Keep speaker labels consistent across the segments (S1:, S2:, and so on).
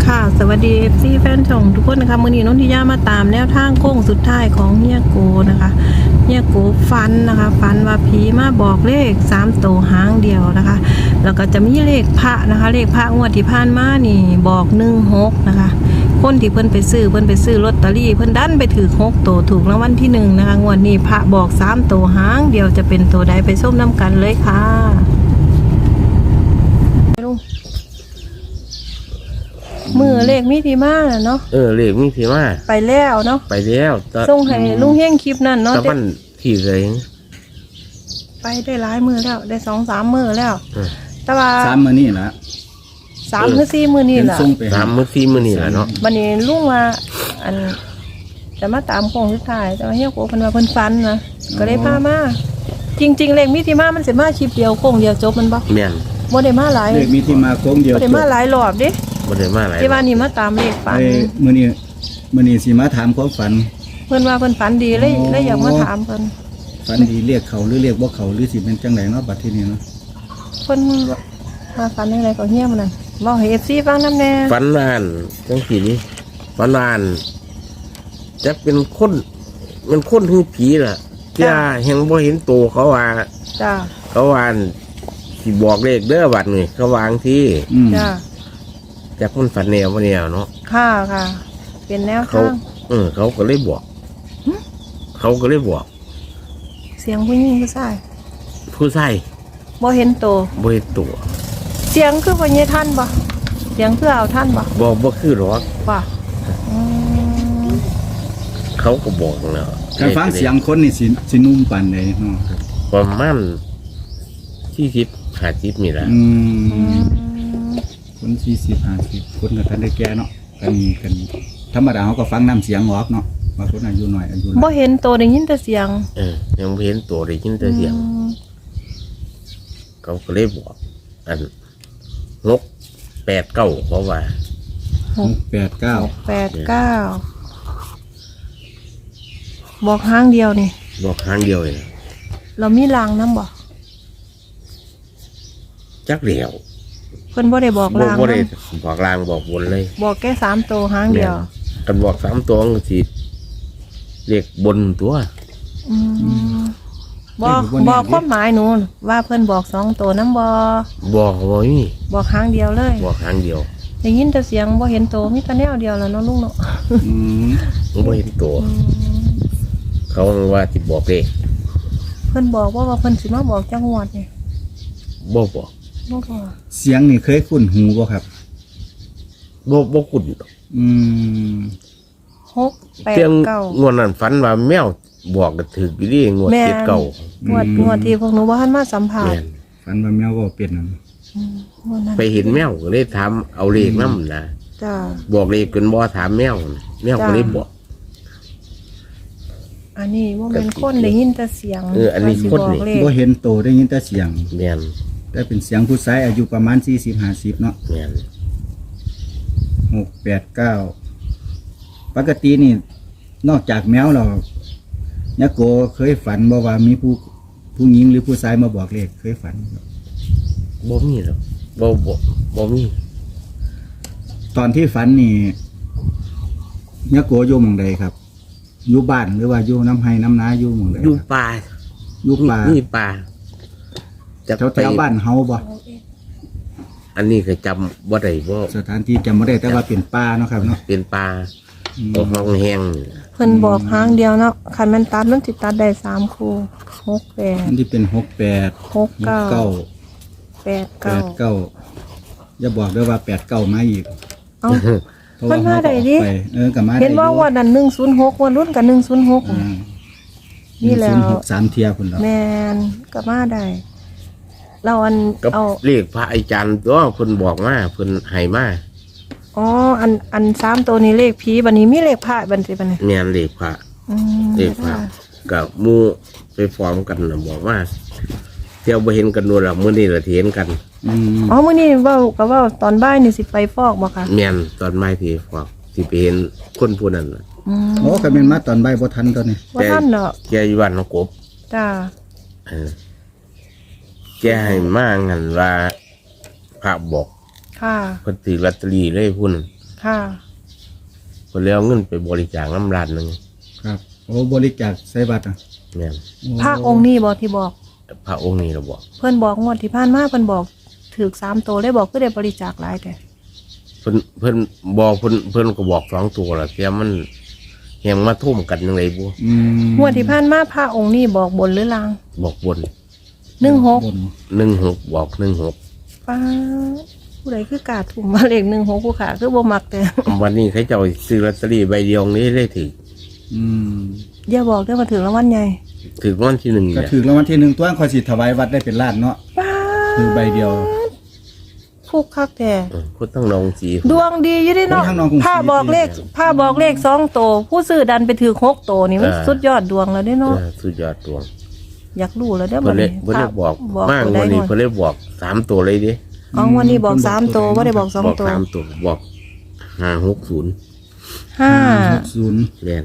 S1: ค่ะสวัสดี FC แฟนช่องทุกคนนะคะมื้อนี้น้องทิยามาตามแนวทางโค้งสุดท้ายของเฮียโกนะคะเฮียโกฟันนะคะฟันว่าผีมาบอกเลข3ตัวหางเดียวนะคะแล้วก็จะมีเลขพระนะคะเลขพระงวดที่ผ่านมานี่บอก16นะคะคนที่เพิ่นไปซื้อลอตเตอรี่เพิ่นดันไปถือ6ตัวถูกรางวัลที่1นะคะงวดนี้พระบอก3ตัวหางเดียวจะเป็นตัวใดไปส้มน้ำกันเลยค่ะมือเลขมิถิมาเนาะ
S2: เลขมิถิมา
S1: ไปแล้วเนาะ
S2: ไปแล้ว
S1: ส่งให้ลุงเฮงคลิปนั่นเนาะ
S2: ตะวันที่เลย
S1: ไปได้หลายมือแล้วได้2-3 มือแล้วแต่ว่า
S3: 3 มื้อนี่ล่ะ
S1: 3 หรือ 4 มือนี่ล่ะ
S2: 3 มื้อ 4 มื้อนี่ล่ะเนาะ
S1: วันนี้ลุงว่าอันจะมาตามโค้งสุดท้ายแต่ว่าเฮียโกเพิ่นว่าเพิ่นฟันนะก็เลยพามาจริงๆเลขมิถิมามันสิมาคลิปเดียวโค้งเดียวจบมันบ่
S2: แม่น
S1: บ่ได้มาหลาย
S3: เลขมิถิมาโค้งเดียว
S1: บ่ได้มาหลายรอบเด้
S2: บ่ได้มาหลาย
S1: ที่ว่านี่มาตามเลขฝัน
S3: มื้อนี้สิมาถามความฝัน
S1: เพิ่นว่าเพิ่นฝันดีเลยอยากมาถามเพิ่น
S3: ฝันดีเรียกเขาหรือเรียกบ่เขาหรือสิเป็นจังไดเนาะบัดทีนี้เนาะ
S1: เพิ่นมาฝันจังไดก็เฮียมันนั่นเว้าให้ FC ฟังนำแน่
S2: ฝันนานจังซี่นี่ฝันนานจะเป็นคนมันคนคือผีล่ะจ้าแห่งบ่เห็นตัวเขาว่า
S1: จ้า
S2: เขาว่าสิบอกเลขเด้อบัดนี้เขาวางที่
S1: จ้า
S2: จากคนฝันแนวบ่แนวเนาะ
S1: ค่ะเป็นแนวทาง
S2: เขาก็เลยบอกเขาก็เลยบอก
S1: เสียงผู้หญิงผู้ชายบ่เห็นตัวเสียงคือบ่เยทันบ่เสียงคือเอาท่าน
S2: บ่คือหรอก
S1: ว่า
S2: เขาก็บอกแล้ว
S3: การฟังเสียงคนนี่สินุ่มปานใดเนาะ
S2: ประมาณ40-50นี่ล่ะ
S3: คน40-50คนก็ทันได้แก่เนาะกันธรรมดาเขาก็ฟังน้ำเสียงออกเนาะบางคนอายุน้อย
S1: บ่เห็นตัวได้ยินแต่เสียง
S2: ยังบ่เห็นตัวได้ยินแต่เสียงเขาก็เลยบอกอัน6-8-9เขาว่า
S3: 6-8-9
S1: บอกหางเดียวนี่
S2: บอกหางเดียวเอง
S1: เรามีลางนำบ่
S2: จักเดียว
S1: เพิ่นบ่ได้บอกลาง
S2: บ่ได้บอกลางบอกบนเลย
S1: บอกแค่3ตัวหางเดียว
S2: กันบอก3ตัวก็สิเรียกบนตัว
S1: บอกความหมายหนูว่าเพิ่นบอก2ตัวนำบ่
S2: มี
S1: บอกหางเดียวเลย
S2: บอกหางเดียว
S1: ได้ยินแต่เสียงบ่เห็นตัวมีแต่แนวเดียวแล้วเนาะลุงเนาะ
S2: บ่เห็นตัวเขาว่าสิบอกเลข
S1: เพิ่นบอกว่าเพิ่นสิมาบอกจังหวัดนี่
S2: บ่บอก
S3: เสียงนี่เคยคุ้นหูบ่ครับ
S2: บ่คุ้น
S1: 6-8-9
S2: งวดนั้นฝันว่าแมวบอกก็ถูกอยู่ดิงวด
S1: 7-9งวดที่พวกหนูบ่ทันมาสัมภาษณ์
S3: ฝันว่าแมวก็เป็นนั่น
S2: ไปเห็นแมวก็เลยถามเอาเลขนำนะ
S1: จ้า
S2: บอกเลขจนบ่ถามแมวก็เลยบอก
S1: อันนี้บ่แม่นคนได้ยินแต่เสียง
S2: อันนี้คนนี่
S3: บ่เห็นโตได้ยินแต่เสียง
S2: แม่น
S3: แต่เป็นเสียงผู้ชายอายุประมาณ40-50เนาะ
S2: แม่น
S3: 6-8-9ปกตินี่นอกจากแมวแล้วยะโกเคยฝันบ่ว่ามีผู้หญิงหรือผู้ชายมาบอกเลขเคยฝัน
S2: บ่มีหรอกบ่มี
S3: ตอนที่ฝันนี่ยะโกอยู่หม้องใดครับอยู่บ้านหรือว่าอยู่น้ำไห้น้ำนาอยู่หม้องใด
S2: อยู่ป่านี่ป่า
S3: แถวบ้านเฮาบ่
S2: อันนี้ก็จำบ่ได้บ่
S3: สถานที่จำบ่ได้แต่ว่าเป็นป่าเนาะครับเนาะ
S2: เป็นป่าบ่ห้องแห้ง
S1: เพิ่นบอกหางเดียวเนาะคันมันตัดมันสิตัดได้3คู่6-8
S3: อันที่เป็น
S1: 6-9
S3: 8-9อย่าบอกด้วยว่า8-9มาอีก
S1: มันมาได้ดิ
S3: ก็มาได้
S1: เห็นว่าวันนั้น106วันรุ่นกับ106นี่แล้ว
S3: 3เที่ยพุ่นแล้ว
S1: แม่นก็มาได้เราเอา
S2: เลขพระอาจารย์ตัวเพิ่นบอกมาเพิ่นให้มา
S1: อัน3ตัวนี้เลขผีบัดนี้มีเลขพระบัดนี้
S2: แม่นเลขพระกับหมู่ไปฟ้องกันน่ะบอกว่าเที่ยวบ่เห็นกันนู่นล่ะมื้อนี้ล่ะเห็นกัน
S1: มื้อนี้เว้าก็เว้าตอนบ่ายนี่สิไปฟอกบ่คะ
S2: แม่นตอนบ่ายสิฟอกสิไปเห็นคนผู้นั้นน่ะ
S3: ก็แม่นมาตอนบ่ายบ่ทันตอนนี้
S1: บ่ทันเนาะ
S2: แกอยู่บ้านน้องกบ
S1: จ้า
S2: แกให้มางั้นว่าพระบอก
S1: ค่ะ
S2: เพิ่นถือลอตเตอรี่เลยพุ่น
S1: ค่ะ
S2: เพิ่นเลยเอาเงินไปบริจาคน้ำร้านหนึง
S3: ครับโอ้บริจาคใส่บัตรอ่ะ
S2: แม่น
S1: พระองค์นี้บอกที่บอก
S2: พระองค์นี้เราบอก
S1: เพิ่นบอกงวดที่ผ่านมาเพิ่นบอกถือ3ตัวได้บอกก็ได้บริจาคหลายแต่
S2: เพิ่นบอกเพิ่นก็บอก2ตัวล่ะแต่มันยังมาทุ่มกันจังไดบ่
S1: งวดที่ผ่านมาพระองค์นี้บอกบนหรือลาง
S2: บอกบน
S1: 16
S2: 16บอก16
S1: ป้าผู้ใดคือกาถุ่มมาเลข16ผู้ขาคือบ่มักแต่
S2: วันนี้เขาเจ้าซื้อลอตเตอรี่ใบเดียวนี้ได้ถือ
S1: อย่าบอกได้อมาถึงรางวัลใหญ่
S2: ถือวันที่1
S3: ก็
S2: เนี่ย
S3: ถือรางวัลที่1ตัวคอยสิถวายวัดได้เป็นล้านเนาะ
S1: ป้า
S3: คือใบเดียว
S1: ฟุกคักแต่
S2: คุณต้องลองสี
S1: ดวงดีอยู่เดิเนาะ
S3: คนทางน้องกรุงศรี
S1: ผ้าบอกเลข2ตัวผู้ซื้อดันไปถือ6ตัวนี่มันสุดยอดดวงแล้วเด้เนาะ
S2: สุดยอดตัว
S1: อยากรู้แล้วเด้อ
S2: เพิ่นเลย
S1: นี้
S2: เพิ่นเลยบอก
S1: บอก
S2: มาก
S1: ตัวใด
S2: วันนี้
S1: ก่อน
S2: เพิ่นเลยบอก3ตัวเลยดิ
S1: อ๋อวันนี้บอก3ตัวบ่ได้บอก
S2: บอก
S1: 2ตัว
S2: 3ตัวบอก560
S3: 60
S2: แม่น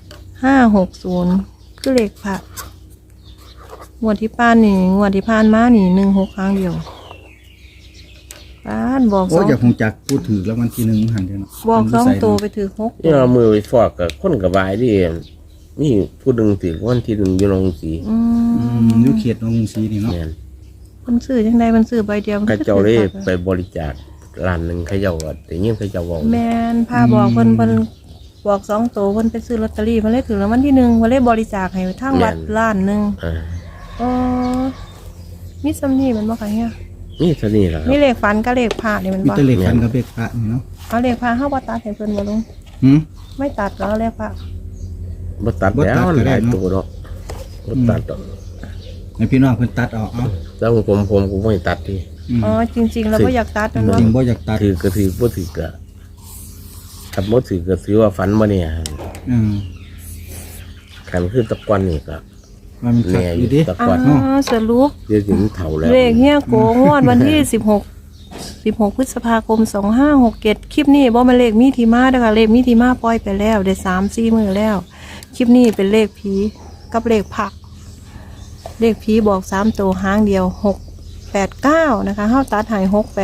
S1: 560คือเลขพระงวดที่ผ่านนี่งวดที่ผ่านมานี่16ครั้งเดียวป้านบอก
S3: โอ้อยากคงจักพูดถือรางวัลที่1หันเด้เนาะ
S1: บอก2ตัวไปถือ6
S2: นี่เอามือไปฟอกกับคนกับบายดินี่ผู้หนึงถือวันที่1อยู่โรงสี
S3: อยู่เขตน้องกรุงศรีนี่เนาะ
S2: แม่น
S1: มันซื้อจังไดมันซื้อใบเดียวมัน
S2: เขา
S1: คือ
S2: เจ้าเลย
S1: ถือ
S2: ไปบริจาคร้านหนึงเขาเจ้าก็แต่ยิ่งเขาเจ้าบอก
S1: แม่นพาบอกเพิ่นบอก2ตัวเพิ่นไปซื้อลอตเตอรี่เพิ่นเลยถือรางวัลที่1เพิ่นเลยบริจาคให้ทางวัดล้านหนึง
S2: อ่า
S1: อ๋อมีซำนี้มันบ่ค่ะเฮีย
S2: นี่เท่านี้แหละครั
S1: มี
S2: บ
S1: เลขฝันกับเลขพระนี่มัน
S3: มี
S1: บ่
S3: แตะเลขฟันกับเลขพระนี่เนาะ
S1: เอาเลขพระเฮาบ่ตัดให้เพิ่นบ่ลุง
S3: หืม
S1: ไม่ตัดก็เอาเลขพระ
S2: บ่ตัด
S3: บ่ตั
S2: แล้
S3: ด
S2: ว
S3: ก็ได้
S2: หลาย
S3: เนาะ
S2: ตัวเนาะบ่ตัดดอก
S3: ให้พี่น้องเพิ่นตัดเอาเอา
S2: แล้วผมก็ไม่ตัดที่
S1: อ๋อจริงๆแล้วบ่อยากตัดนั่น
S3: จ
S1: เนาะ
S3: ริงบ่อยากตัด
S2: ถือก็ถือบ่ถือก็ขับบ่ถือก็ถือว่าฝันบ่เนี่ย
S3: อืม
S2: ขันคือตะกอนนี่ก็
S3: ว่ามันขัด
S2: แน่
S3: อ
S2: อยู่
S3: ยู่ดิ
S2: ตะ
S1: อ๋
S2: กอน
S1: อสรุป
S2: เดี๋ยวถึงเฒ่าแล้ว
S1: เลขเฮียโกงวดวันที่16พฤษภาคม2567คลิปนี้บ่แม่นเลขมีที่มาเด้อค่ะเลขมีที่มาปล่อยไปแล้วได้ 3-4 มื้อแล้วคลิปนี้เป็นเลขผีกับเลขพระเลขผีบอก3ตัวหางเดียว689นะคะเฮาตัดให้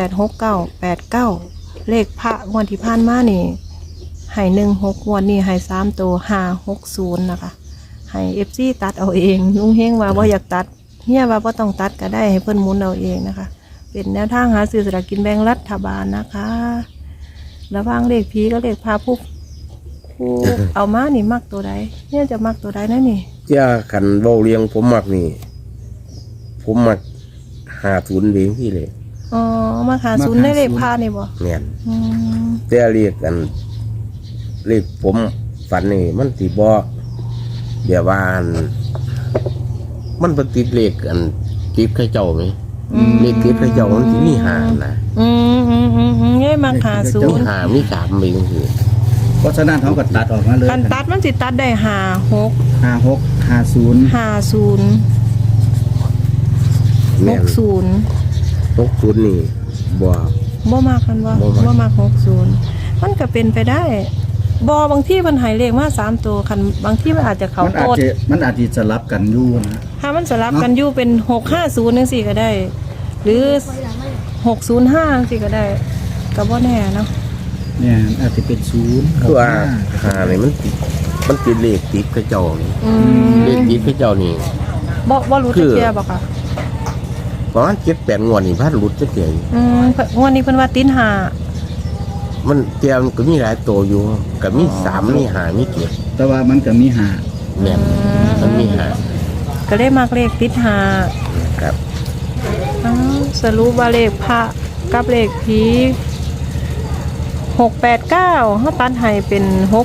S1: 686989เลขพระงวดที่ผ่านมานี่ให้16งวดนี้ให้3ตัว560นะคะให้ FC ตัดเอาเองลุงเฮงว่าบ่อยากตัดเฮียว่าบ่ต้องตัดก็ได้ให้เพิ่นหมุนเอาเองนะคะ เป็นแนวทางหาซื้อสลากกินแบ่งรัฐบาลนะคะระหว่างเลขผีกับเลขพาผู้เอามานี่มักตัวใดเนี่ยจะมักตัวใดนั่นนี่
S2: เจ้าขันเว้าเลี้ยงผมมักนี่ ผมมัก50เด้งที่เลย
S1: อ๋อมาหาศูนย์ได้เลขพานี่บ่
S2: แม่น
S1: อืม
S2: แต่เรียกกันเรียกผมฝันนี่มันสิบ่เดี๋ยวว่าอันมันบ่ติดเลขกันติดเขาเจ้าไหมเลขติดเขาเจ้ามันสิมีหานะ
S1: เนี่ยมาหาศู
S2: มี
S1: นย์
S2: หามี3ไปจังซี่
S3: เพราะฉะนั้นเขาก็ตัดออกมาเลย
S1: กันตัดมันสิตัดได้56
S3: 56 50
S1: 50
S2: แม่น
S1: 60
S2: 60นี่บ่
S1: บ่มากกันบ่
S2: บ่มัก
S1: บ่มาก60มันก็เป็นไปได้บ่บางที่มันให้เลขมา3ตัวคันบางที่มันอาจจะเข้า
S3: มันอา
S1: โต
S3: จ
S1: ด
S3: จะมันอาจจะสลับกันอยู่นะ
S1: ถ้ามันสลับกันอยู่เป็น650จังซี่ก็ได้ หรือ605จังซี่ก็ได้ก็บ่แน่เนาะ
S3: เนี่ยอาจจะเป็น0
S2: คือว่าหานี่มันติดเลขติดเขาเจ้านี่
S1: อืม
S2: เลขติดเขาเจ้านี่
S1: บ่รู้
S2: คื
S1: จัก
S2: อ
S1: เที่ยบ่ค่ะ
S2: ประมาณ7-8งวดนี่พัดหลุดจักเที่ยอยู่
S1: งวดนี้เพิ่นว่าติดหา
S2: มันเตรียมก็มีหลายตัวอยู่ก็มี3มี5มี7
S3: แต่ว่ามันก็มี5
S2: แม่นมันมี5
S1: ก็เลยมักเลขติดหา
S2: ครับ
S1: อ้าวสรุปว่าเลขพระกับเลขผี689เฮาตัดให้เป็น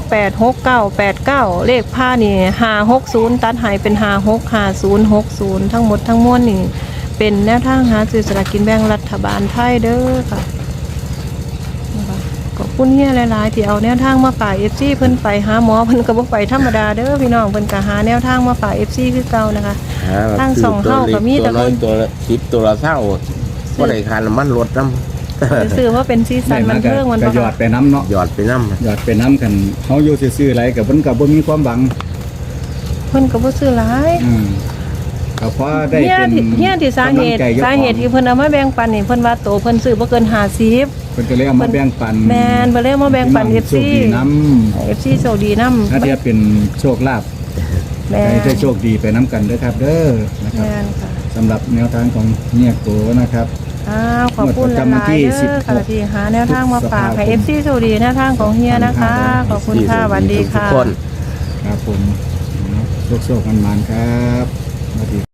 S1: 686989เลขพระนี่560ตัดให้เป็น565060ทั้งหมดทั้งมวลนี่เป็นแนวทางหาซื้อสลากกินแบ่งรัฐบาลไทยเด้อค่ะนะคะขอบคุณเฮียหลายๆที่เอาแนวทางมาฝาก FC เพิ่นไปหาหมอเพิ่นก็บ่ไปธรรมดาเด้อพี่น้องเพิ่นก็หาแนวทางมาฝาก FC คือเก่านะคะ ตั้งสองเท่าก็มีแต่
S2: ตัวน้อยตัวละ10ตัวละเท่าบ่ได้ค่าน้ำมันรถนำ
S1: ซื้อว่าเป็นซีซันมันเพิ่งมัน
S3: ก็
S1: บ่
S3: หยอดไปน้ำเนาะ
S2: หยอดไปนำ
S3: หยอดไปน้ำกันเขาอยู่ซื่อๆอะไรกับมันกับบ่มีความหวัง
S1: เพิ่นก็บ่ซื้อหลาย
S3: ก็เพราะได้
S1: เฮีย
S3: เป็น
S1: ที่เฮียที่สาเหตุ
S3: กำลังใจยกของ
S1: ที่เพิ่นเอามาแบ่งปันนี่เพิ่นว่าโตเพิ่นซื้อบ่เกิน50
S3: เพิ่นก็เลยเอามาแบ่งปัน
S1: แมนเบลเล่มาแบ่งปัน
S3: พี่
S1: FC
S3: โชคดีน้
S1: FC โชคดีนำ
S3: ถ้าเทียบเป็นโชคลาภ
S1: แม
S3: ให้
S1: น
S3: ได้โชคดีไปน้ำกันเด้อครับ เด้อนะค
S1: แม
S3: รับ
S1: นค่ะ
S3: สำหรับแนวทางของเนี่ยโกนะครับ
S1: ขอบคุณห
S3: งวดประจำวั
S1: ลาน ย
S3: ที่
S1: ๆเด้อค่ะ
S3: 16
S1: ที่หาแนวทางมาฝากให้
S3: พฤษภาคม
S1: FC โชคดีแนวทางของเฮียนะคะ ขอบคุณค่ะสวัสดี
S2: ทุก
S1: ค่ะ
S2: คน
S3: ครับผมโชคๆมันๆครับสวัสดี